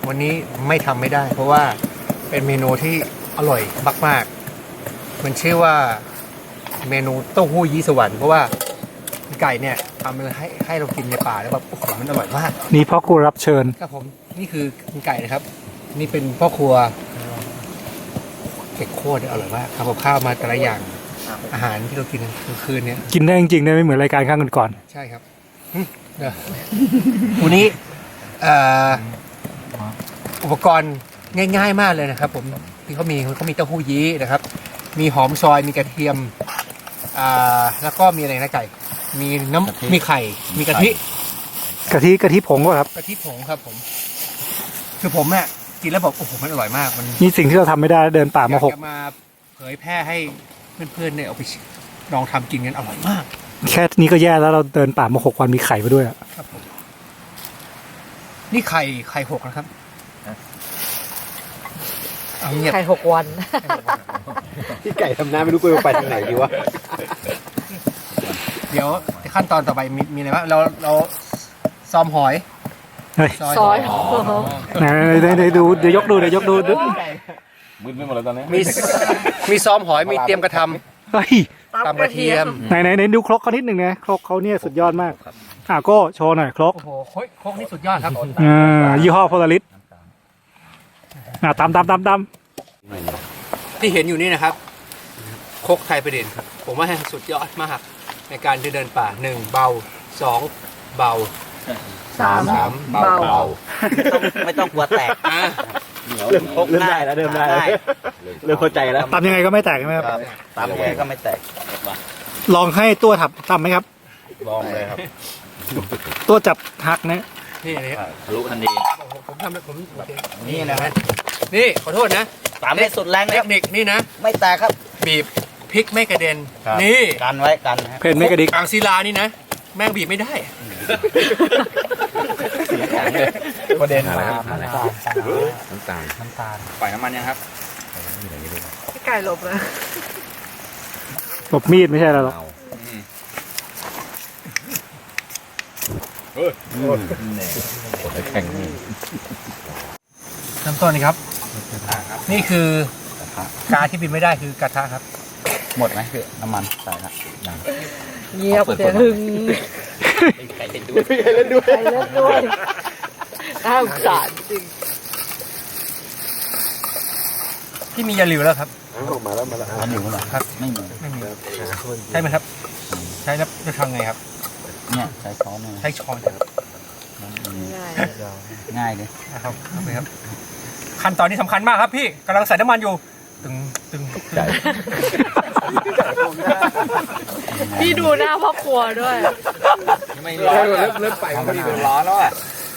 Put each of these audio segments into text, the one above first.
วันนี้ไม่ทำไม่ได้ เพราะว่าเป็นเมนูที่อร่อยมากๆมันชื่อว่าเมนูเต้าหู้ยี้สวรรค์เพราะว่าไก่เนี่ยทำมาให้เรากินในป่าแล้วแบบโอ้โหมันอร่อยมากนี่พ่อครัวรับเชิญครับผมนี่คือไก่นะครับ นี่เป็นพ่อครัวเก็กโคตรอร่อยมากทำกับข้าวมาแต่ละอย่างอาหารที่เรากินกลางคืนเนี่ยกินได้จริงๆได้ไม่เหมือนรายการข้างก่อนใช่ครับเดี๋ยววันนี้อุปกรณ์ง่ายๆมากเลยนะครับผมที่เขามีเต้าหู้ยี้นะครับ มีหอมซอยมีกระเทียมแล้วก็มีอะไรนะไก่มีมีไข่มีกะทิๆกะทิผงก็ครับกะทิผงครับผมคือผมเนี่ยกินแล้วบอกโอ้โหมันอร่อยมากมันนี่สิ่งที่เราทำไม่ได้เดินป่ามาอยาก 6 จะมาเผยแพร่ให้เพื่อนๆเนี่ยเอาไปลองทำกินกันอร่อยมากแค่นี้ก็แย่แล้วเราเดินป่ามา6 วันมีไข่มาด้วยอะครับผมนี่ไข่หกนะครับเอาเงียบไข่6 วันพี่ไก่ทำหน้าไม่รู้กูไปทางไหนดีวะเดี๋ยวขั้นตอนต่อไปมีอะไรบ้างเราซอมหอยเฮ้ยซอยไหนดูเดี๋ยวยกดูมึนไปหมดแล้วตอนนี้มีซ้อมหอยมีเตรียมกระทเฮ้ยำตำกระเทียมไหนดูครกเขานิดหนึ่งนะครกเขาเนี่ยสุดยอดมากโก้โชว์หน่อยครกโอ้โหโคกนี่สุดยอดครับยี่ห้อโพลาริสตำที่เห็นอยู่นี่นะครับโคกไทยประเด็นครับผมว่าสุดยอดมากในการเดินป่า1เบา2เบา3เบาไม่ต้องกลัวแตกเริ่มได้แล้วเริ่มเข้าใจแล้วตำยังไงก็ไม่แตกใช่ไหมครับตามแกก็ไม่แตกลองให้ตัวทำไหมครับลองเลยครับตัวจับหักนะนี่นี่ทะลุทันทีผมทำผมโอเคนี่นะฮะนี่ขอโทษนะตามให้สุดแรงเทนะครัคบนิคนี่นะไม่แตกครับบีบพริกไม่กระเด็นนี่กันไว้กันนะฮะเพนไม่กระดิกอ่างศิลานี่นะแม่งบีบไม่ได้ประเด็นมาน้ำตาลปล่อยน้ำมันยังครับไก่หลบเลยหลบมีดไม่ใช่แล้วหรอกแข่งนี่เริ่มต้นนี่ครับ นี่คือกาที่บินไม่ได้คือกระทะครับหมดไหมพี่น้ำมันใส่ละเงียบเสียงหึงไก่เล่นด้วยไก่เล่นด้วยน่าสงสารจริงที่มียาหลิวแล้วครับมาแล้วอันนี้เหรอครับไม่มีไม่มีใช่ไหมครับ ใช้แล้วจะทำไงครับเนี่ยใช้ช้อนเนี่ยใช้ช้อนครับง่ายง่ายเลยนะครับเอาไปครับ ขั้นตอนนี้สำคัญมากครับพี่กำลังใส่น้ำมันอยู่ตึงพี่ดูหน้าพ่อครัวด้วยไม่ร้อนเริ่มไปมันร้อนแล้วอ่ะ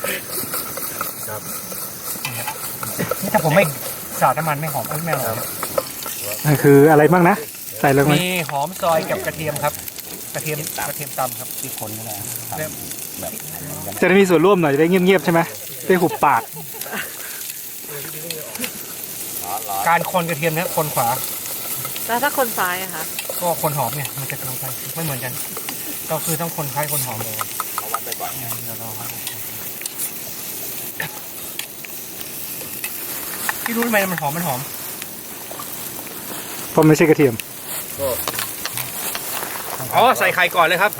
นี่ถ้าผมไม่สาดน้ำมันไม่หอมไม่อร่อยครับนั่นคืออะไรบ้างนะ ใส่ลงไปมีหอมซอยกับกระเทียมครับ กระเทียมตำครับที่คนก็ได้เริ่มแบบจะได้มีส่วนร่วมหน่อยจะได้เงียบๆใช่ไหมได้หุบปากการคนกระเทียมเนี่ยคนขวาแล้วถ้าคนซ้ายอะคะก็คนหอมเนี่ยมันจะตรงกันไม่เหมือนกัน ก็คือต้องคนคล้ายคนหอมเลยเขาวัดไปก่อนเดี๋ยวรอครับพี่รู้ทำไมมันหอมเพราะไม่ใช่กระเทียมอ๋อใส่ไข่ก่อนเลยครับ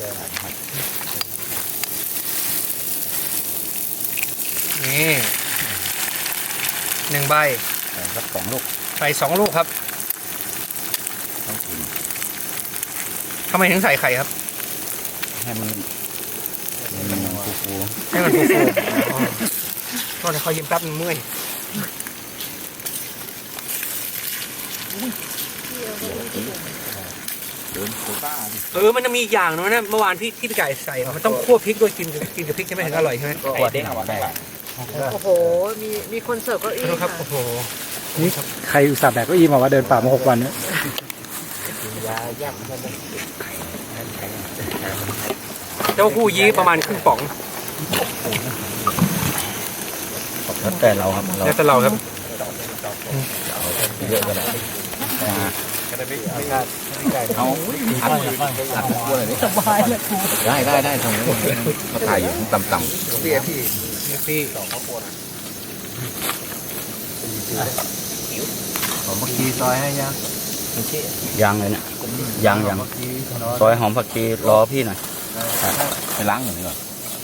นี่1 ใบสัก2 ลูกใส่2 ลูกครับทำไมถึงใส่ไข่ครับให้มันฟูให้มันฟูๆอ๋อก็จะคอยยิ้มแป๊บมันเมื่อยมันจะมีอีกอย่างนึงนะเมื่อวานที่พี่ไก่ใส่มันต้องคั่วพริกด้วยกินกับพริกใช่ไหมถึงอร่อยใช่ไหมๆไข่เด้งเอาไว้ได้โอ้โหมีคนเสิร์ฟเก็อี้ดูครับค่ะโอ้โหนี่ใครอุตส่าห์แบกเก็อี้มาว่าเดินป่ามา6 วันเนี่ยเต้าหู้ยี้ประมาณครึ่งป๋องแล้วแต่เราครับแล้วแต่เราครับเยอะก็ได้เอาอัดคั่วเลยสบายเลยครูได้ทำไมเขาถ่ายอยู่ต่ำพี่ผมเมื่อกี้ซอยให้ยังยังเลยเนี่ยยังซอยหอมผักชีรอพี่หน่อยไปล้างหน่อยก่อน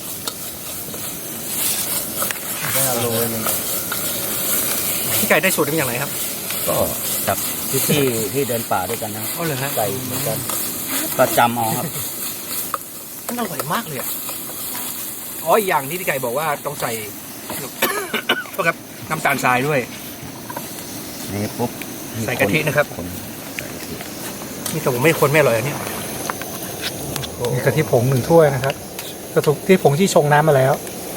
พี่ไก่ได้สูตรมาจากไหนครับก็จากที่เดินป่าด้วยกันนะอ๋อเหรอฮะไก่เหมือนกันก็จำเอาครับมันอร่อยมากเลยอ่ะอ๋ออีกอย่างที่พี่ไก่บอกว่าต้องใส่ ก็ครับน้ำตาลทรายด้วยนี่ปุ๊บใส่กะทินะครับคนใส่กะทินี่แต่ผมไม่คนไม่อร่อยอันนี้มีกะทิผง1 ถ้วยนะครับกะทิผงที่ชงน้ำมาแล้ว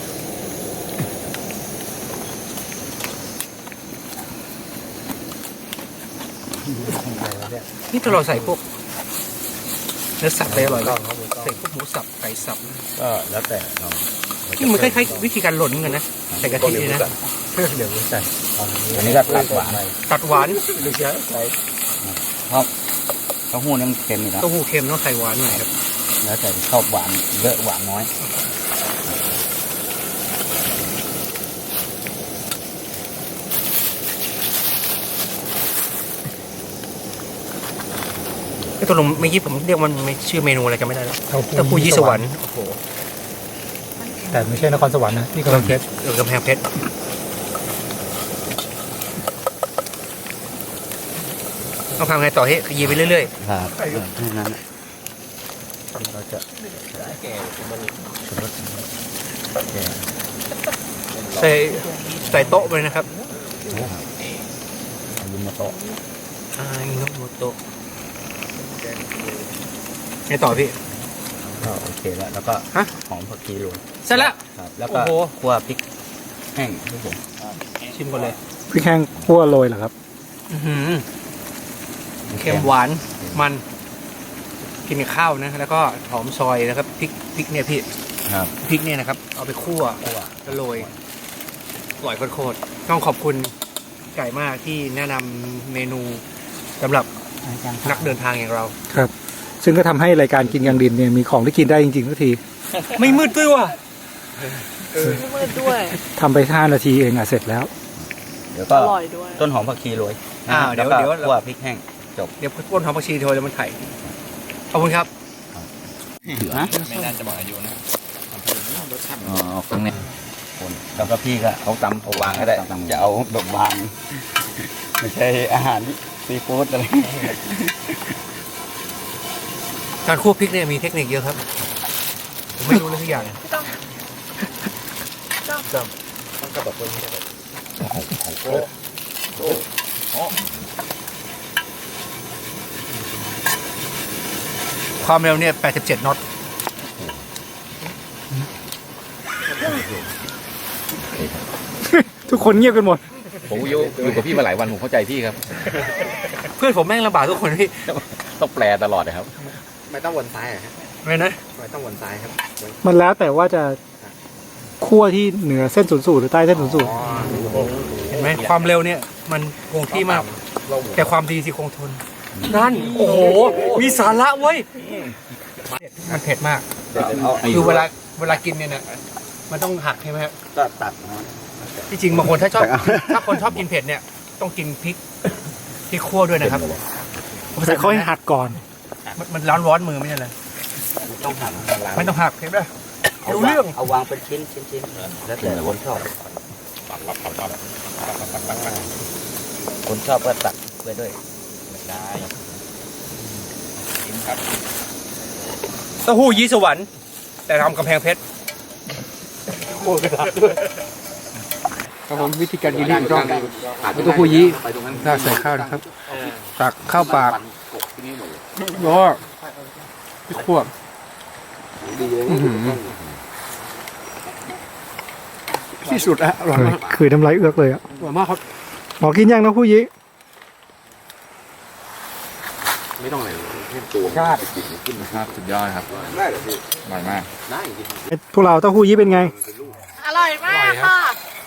นี่ถ้าเราใส่พวกเนื้อสัตว์ไปอร่อยเลยใส่พวกหมูสับไก่สับก็แล้วแต่เรานี่มันคล้ายๆวิธีการหล่นเหมือนกันนะใส่กะทินี่นะเดี๋ยวใส่อันนี้ก็ตัดหวานตัดหวานเพราะเต้าหู้เนี่ยมันเค็มอยู่แล้วเต้าหู้เค็มต้องใส่หวานหน่อยครับแล้วแต่ชอบหวานเยอะหวานน้อยไอ้ตัวลงเมื่อกี้ผมเรียกมันไม่ชื่อเมนูอะไรกันไม่ได้แล้วเต้าหู้ยี่สวรรค์โอ้โหแต่ไม่ใช่นครสวรรค์นะนี่กำลังเพชรกำแพงเพชรต้องทำไงต่อให้ยีไปเรื่อยครับแค่นั้นเราจะๆใส่โต๊ะไปนะครับยืมมาโต๊ะอิโนโมโตะไงต่อพี่ก็โอเคแล้วแล้วก็ฮะหอมผักชีโรยเสร็จแล้วครับแล้วก็โอ้โหคั่วพริกแห้งครับผมชิมก่อนเลยพริกแห้งคั่วโรยเหรอครับอื้อหือเค็มหวานมันกินกับข้าวนะแล้วก็หอมซอยนะครับพริกเนี่ยพี่ครับพริกเนี่ยนะครับ เอาไปคั่วแล้วโรยอร่อยโคตรๆต้องขอบคุณไก่มากที่แนะนำเมนูสำหรับนักเดินทางอย่างเราครับ ซึ่งก็ทำให้รายการกินกลางดินเนี่ยมีของที่กินได้จริงๆทุกทีไม่มืดด้วยว่ะไม่มืดด้วยทำไป5 นาทีเองเสร็จแล้วเดี๋ยวอก็ร่อยด้วยต้นหอมผักชีโรยเดี๋ยวแล้วก็เดี๋ยวคั่วพริกแห้งเดี๋ยวพ่นหอมผักชีโทรแล้วมันไข่ขอบคุณครับฮะไม่น่าจะบอกอายุนะอ๋อตรงนี้คนแล้วก็พี่ก็เขาตำเอาวางก็ได้จะเอาดอกบางไม่ใช่อาหารซีฟู้ดอะไรการคั่วพริกเนี่ยมีเทคนิคเยอะครับผมไม่รู้เลยทุกอย่างความเร็วเนี่ย87 น็อตทุกคนเงียบกันหมดผมอยู่กับพี่มาหลายวันผมเข้าใจพี่ครับเพื่อนผมแม่งลำบากทุกคนพี่ต้องแปลตลอดนะครับไม่ต้องวนซ้ายอะครับไม่นะไม่ต้องวนซ้ายครับมันแล้วแต่ว่าจะคั่วที่เหนือเส้นศูนย์สูตรหรือใต้เส้นศูนย์สูตรเห็นไหมความเร็วเนี่ยมันคงที่มากแต่ความดีสิคงทนนั่นโอ้โหมีสาระเว้ยมันเผ็ดมากคือเวลากินเนี่ยนะมันต้องหักใช่ไหมครับก็ตัดที่จริงบางคนถ้าคนชอบกินเผ็ดเนี่ยต้องกินพริกคั่วด้วยนะครับแต่เขาให้หัดก่อนมันร้อนมือไม่ใช่เลยต้องหั่นไม่ต้องหักเห็นไหมรู้เรื่องเอาวางเป็นชิ้นแล้วแต่คนชอบคนชอบก็ตัดไปด้วยได้เต้าหู้ยี้สวรรค์แต่ทำกำแพงเพชรครับผมวิธีการกินที่ถูกต้องเต้าหู้ยี้ราดใส่ข้าวนะครับตักข้าวปากแล้วก็พริกขั่วที่สุดอะอร่อยมากคือน้ำลายเอือกเลยอ่ะอร่อยมากครับหมอกินยังนะผู้ยี้ครับสุดยอดครับอร่อยมากพวกเราเต้าหู้ยี้เป็นไงอร่อยมากค่ะ